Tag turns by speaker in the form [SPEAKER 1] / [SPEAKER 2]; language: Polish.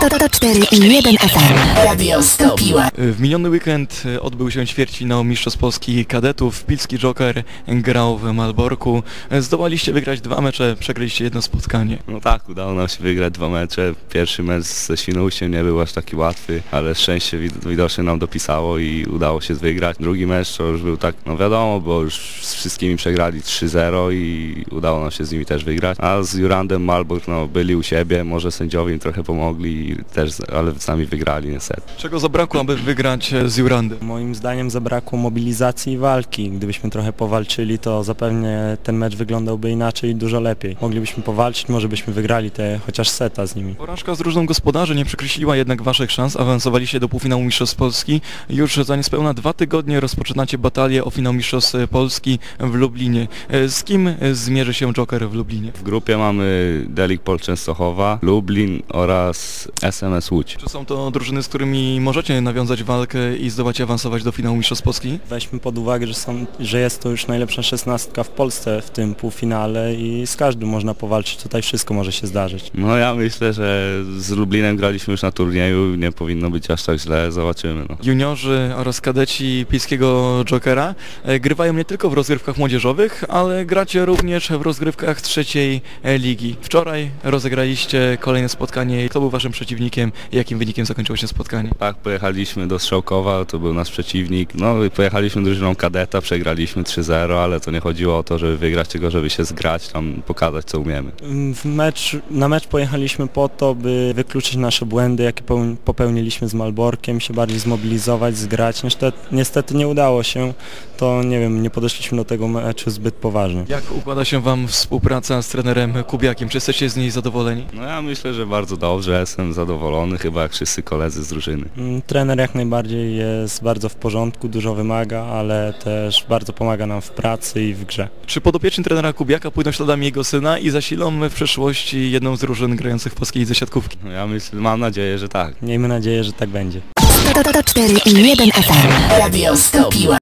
[SPEAKER 1] To 4 i 1 FM. Radio Stopiła.
[SPEAKER 2] W miniony weekend odbył się ćwierćfinał Mistrzostw Polski Kadetów. Pilski Joker grał w Malborku. Zdołaliście wygrać 2 mecze, przegraliście jedno spotkanie.
[SPEAKER 3] No tak, udało nam się wygrać 2 mecze. Pierwszy mecz ze Świnoujściem nie był aż taki łatwy, ale szczęście widocznie nam dopisało i udało się wygrać. Drugi mecz to już był tak, no wiadomo, bo już z wszystkimi przegrali 3-0 i udało nam się z nimi też wygrać. A z Jurandem Malbork byli u siebie, może sędziowie im trochę pomogli, też, ale sami wygrali niestety.
[SPEAKER 2] Czego zabrakło, aby wygrać z Jurandem?
[SPEAKER 4] Moim zdaniem zabrakło mobilizacji i walki. Gdybyśmy trochę powalczyli, to zapewne ten mecz wyglądałby inaczej i dużo lepiej. Moglibyśmy powalczyć, może byśmy wygrali chociaż seta z nimi.
[SPEAKER 2] Porażka z różną gospodarzy nie przekreśliła jednak waszych szans. Awansowaliście do półfinału Mistrzostw Polski. Już za niespełna 2 tygodnie rozpoczynacie batalię o finał Mistrzostw Polski w Lublinie. Z kim zmierzy się Joker w Lublinie?
[SPEAKER 3] W grupie mamy Delik Pol Częstochowa, Lublin oraz SMS Łódź.
[SPEAKER 2] Czy są to drużyny, z którymi możecie nawiązać walkę i zdołać awansować do finału Mistrzostw Polski?
[SPEAKER 4] Weźmy pod uwagę, że jest to już najlepsza 16 w Polsce w tym półfinale i z każdym można powalczyć. Tutaj wszystko może się zdarzyć.
[SPEAKER 3] No ja myślę, że z Lublinem graliśmy już na turnieju, nie powinno być aż tak źle, zobaczymy.
[SPEAKER 2] Juniorzy oraz kadeci Pilskiego Jokera grywają nie tylko w rozgrywkach młodzieżowych, ale gracie również w rozgrywkach trzeciej ligi. Wczoraj rozegraliście kolejne spotkanie. Kto był waszym przeciwnikiem i jakim wynikiem zakończyło się spotkanie?
[SPEAKER 3] Tak, pojechaliśmy do Strzałkowa, to był nasz przeciwnik. No i pojechaliśmy drużyną kadeta, przegraliśmy 3-0, ale to nie chodziło o to, żeby wygrać, tylko żeby się zgrać, tam pokazać, co umiemy.
[SPEAKER 4] Na mecz pojechaliśmy po to, by wykluczyć nasze błędy, jakie popełniliśmy z Malborkiem, się bardziej zmobilizować, zgrać. Niestety nie udało się, to nie wiem, nie podeszliśmy do tego meczu zbyt poważnie.
[SPEAKER 2] Jak układa się wam współpraca z trenerem Kubiakiem? Czy jesteście z niej zadowoleni?
[SPEAKER 3] No ja myślę, że bardzo dobrze, jestem zadowolony, chyba jak wszyscy koledzy z drużyny.
[SPEAKER 4] Trener jak najbardziej jest bardzo w porządku, dużo wymaga, ale też bardzo pomaga nam w pracy i w grze.
[SPEAKER 2] Czy podopieczni trenera Kubiaka pójdą śladami jego syna i zasilą w przyszłości jedną z drużyn grających w polskiej lidze siatkówki?
[SPEAKER 3] No ja myślę, mam nadzieję, że tak.
[SPEAKER 4] Miejmy nadzieję, że tak będzie.
[SPEAKER 1] To 4 i 1 FM. Radio Stopiła.